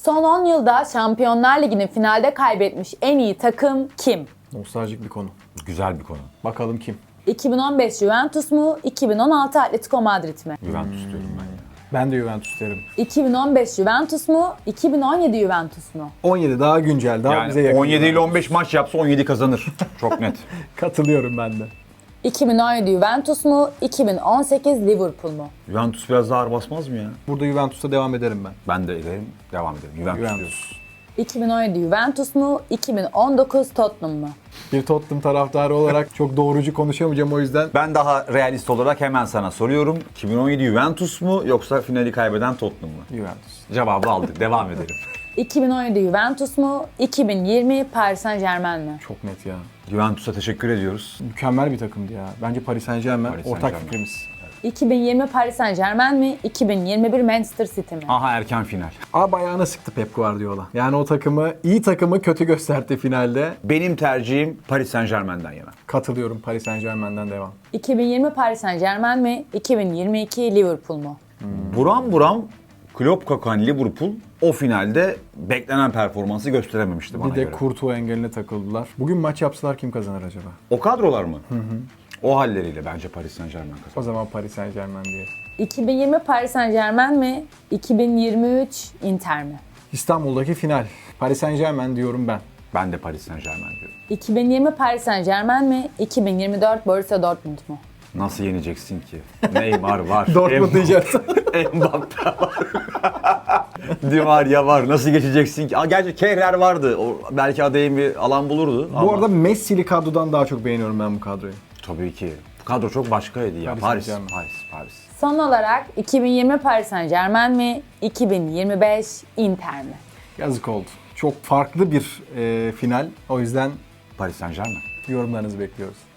Son 10 yılda Şampiyonlar Ligi'nin finalde kaybetmiş en iyi takım kim? Nostaljik bir konu. Güzel bir konu. Bakalım kim? 2015 Juventus mu? 2016 Atletico Madrid mi? Juventus diyorum ben ya. Ben de Juventus derim. 2015 Juventus mu? 2017 Juventus mu? 17 daha güncel, daha bize Yani yakın. 17 ile 15 maç yapsa 17 kazanır. Çok net. Katılıyorum ben de. 2017 Juventus mu? 2018 Liverpool mu? Juventus biraz daha ağır basmaz mı ya? Burada Juventus'ta devam ederim ben. Ben de ederim. Devam edelim. Juventus, diyoruz. Juventus. 2017 Juventus mu? 2019 Tottenham mı? Bir Tottenham taraftarı olarak çok doğrucu konuşamayacağım o yüzden. Ben daha realist olarak hemen sana soruyorum. 2017 Juventus mu yoksa finali kaybeden Tottenham mı? Juventus. Cevabı aldık. Devam edelim. 2017 Juventus mu? 2020 Paris Saint-Germain mi? Çok net ya. Juventus'a teşekkür ediyoruz. Mükemmel bir takımdı ya. Bence Paris Saint-Germain Paris ortak Saint-Germain. fikrimiz. 2020 Paris Saint-Germain mi? 2021 Manchester City mi? Aha erken final. Abi ayağına sıktı Pep Guardiola. Yani o takımı, iyi takımı kötü gösterdi finalde. Benim tercihim Paris Saint-Germain'den yana. Katılıyorum, Paris Saint-Germain'den devam. 2020 Paris Saint-Germain mi? 2022 Liverpool mu? Buram buram Klopp kokan Liverpool o finalde beklenen performansı gösterememişti bana Bir de göre. Courtois engeline takıldılar. Bugün maç yapsalar kim kazanır acaba? O kadrolar mı? O halleriyle bence Paris Saint-Germain kazanır. O zaman Paris Saint-Germain diye. 2020 Paris Saint-Germain mi? 2023 Inter mi? İstanbul'daki final. Paris Saint-Germain diyorum ben. Ben de Paris Saint-Germain diyorum. 2020 Paris Saint-Germain mi? 2024 Borussia Dortmund mu? Nasıl yeneceksin ki? Neymar var. Dortmund diyeceğiz. Mbappe var. Di Maria var. Nasıl geçeceksin ki? Gerçi Kehrer vardı. O belki adayın bir alan bulurdu. Bu arada Messi'li kadrodan daha çok beğeniyorum ben bu kadroyu. tabii ki. Bu kadro çok başkaydı ya. Paris Paris, Saint-Germain. Paris. Son olarak 2020 Paris Saint-Germain mi? 2025 Inter mi? Yazık oldu. Çok farklı bir final. O yüzden Paris Saint-Germain. yorumlarınızı bekliyoruz.